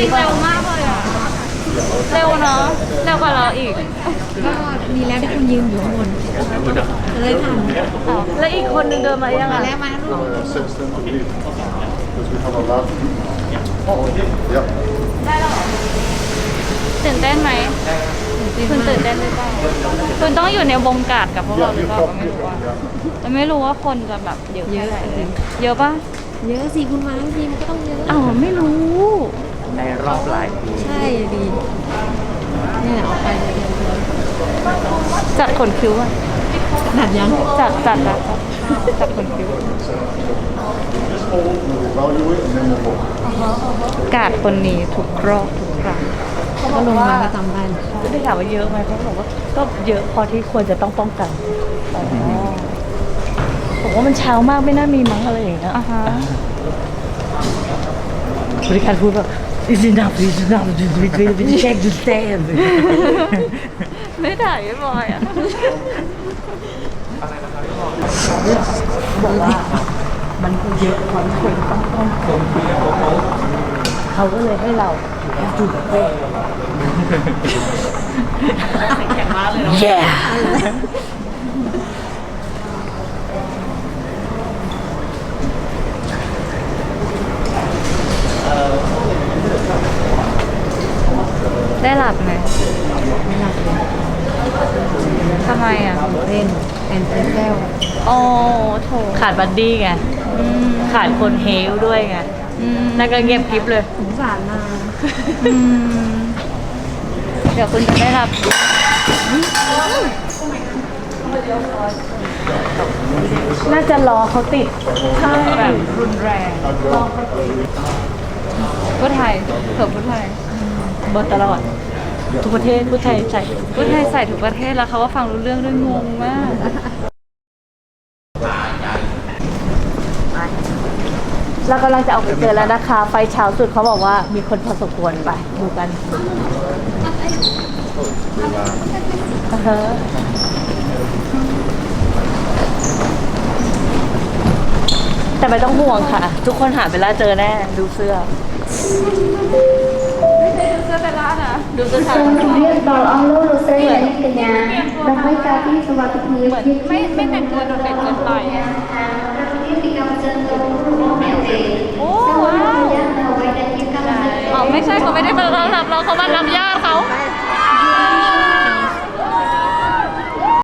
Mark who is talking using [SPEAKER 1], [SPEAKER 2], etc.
[SPEAKER 1] เร็วมากเลยอ่ะเร็วเนาะเร็วกว่าเราอีก
[SPEAKER 2] ก็ดีแล้วที่คุณยืนอยู่ข้างบนเลยทัน
[SPEAKER 1] แล้วอีกคนนึงเดินมายัง
[SPEAKER 2] มา
[SPEAKER 1] อ่ะ
[SPEAKER 2] แล้วมาลูก
[SPEAKER 3] Assist them to leave. Because we have a lot. Yep.
[SPEAKER 1] ได้แล้วเหรอตื่นเต้นไหมคุณตื่นเต้นหรือเปล่าคุณต้องอยู่ในวงการกับพวกเราหรือเปล่าก็ไม่รู้ว่าแต่ไม่รู้ว่าคนจะแบบเยอะ
[SPEAKER 2] เย
[SPEAKER 1] แค่
[SPEAKER 2] อะ
[SPEAKER 1] ไหน
[SPEAKER 2] จริง
[SPEAKER 1] เยอะปะ
[SPEAKER 2] เยอะสิคุณมาทีมันก็ต้องเยอะ
[SPEAKER 1] อ้าวไม่รู้
[SPEAKER 4] ในรอบหลายปี
[SPEAKER 2] ใช่ดีนี่แหละออกไปเลย
[SPEAKER 1] จัดขนคิ้วอ่ะ
[SPEAKER 2] หนัดยัง
[SPEAKER 1] จัดขนคิ้ว
[SPEAKER 3] We'll evaluate and then we'll vote.
[SPEAKER 1] กาดคนนี้ทุกรอบทุกครั้ง
[SPEAKER 2] ก็ลงมาก็จำได้
[SPEAKER 1] ได้ถามว่าเยอะไหมเขาบอกว่าก็เยอะพอที่ควรจะต้องป้องกันบอกว่ามันเช้ามากไม่น่ามีมั้งอะไรอย่างเงี้ยบริการพูดแบบ is enough we check the stand ไม่ถ่ายไม่บอยอ่ะบอกว่ามันเยอะพอที่ควรต้องป้องกันเขาก็เลยให้เราจุดเต้แข็งมากเลยเนาะ yeah ได้หลับไหม
[SPEAKER 2] ไม่หลับเลย
[SPEAKER 1] ทำไมอ่ะ
[SPEAKER 2] เล่นแอนเทเซล
[SPEAKER 1] โอ้โถขาดบัดดี้ไงขาดคนเฮลด้วยไงนั่นก็เงียบกริบเลย
[SPEAKER 2] สงสารนา
[SPEAKER 1] เดี๋ยวคุณจะได้รับน่าจะรอเขาติดแบบรุนแรงพูดไทยเผื่อพูดไทยเบอร์ตลอดทุกประเทศพูดไทยใส่พูดไทยใส่ทุกประเทศแล้วเขาก็ฟังรู้เรื่องด้วยงงมากเรากำลังจะออกไปเจอแล้วนะคะไฟเช้าสุดเขาบอกว่ามีคนพอสมควรไปดูกันแต่ไม่ต้องห่วงค่ะ ทุกคนหาเวลาเจอแน่ดูเสื้อดูเสื้อแต่ละนะดูเสื้อ
[SPEAKER 5] Kemudian kalau Allah Rasul dari kenyang, damai kaki suatu
[SPEAKER 1] เหมือนไม่แต่งตัวโดดเด่นเกินไป
[SPEAKER 5] Kemudian tiga jantung mete.
[SPEAKER 1] โอ้ว้าวอ๋อไม่ใช่เขาไม่ได้มารับเราเขามารับญาติเขา
[SPEAKER 2] ไม่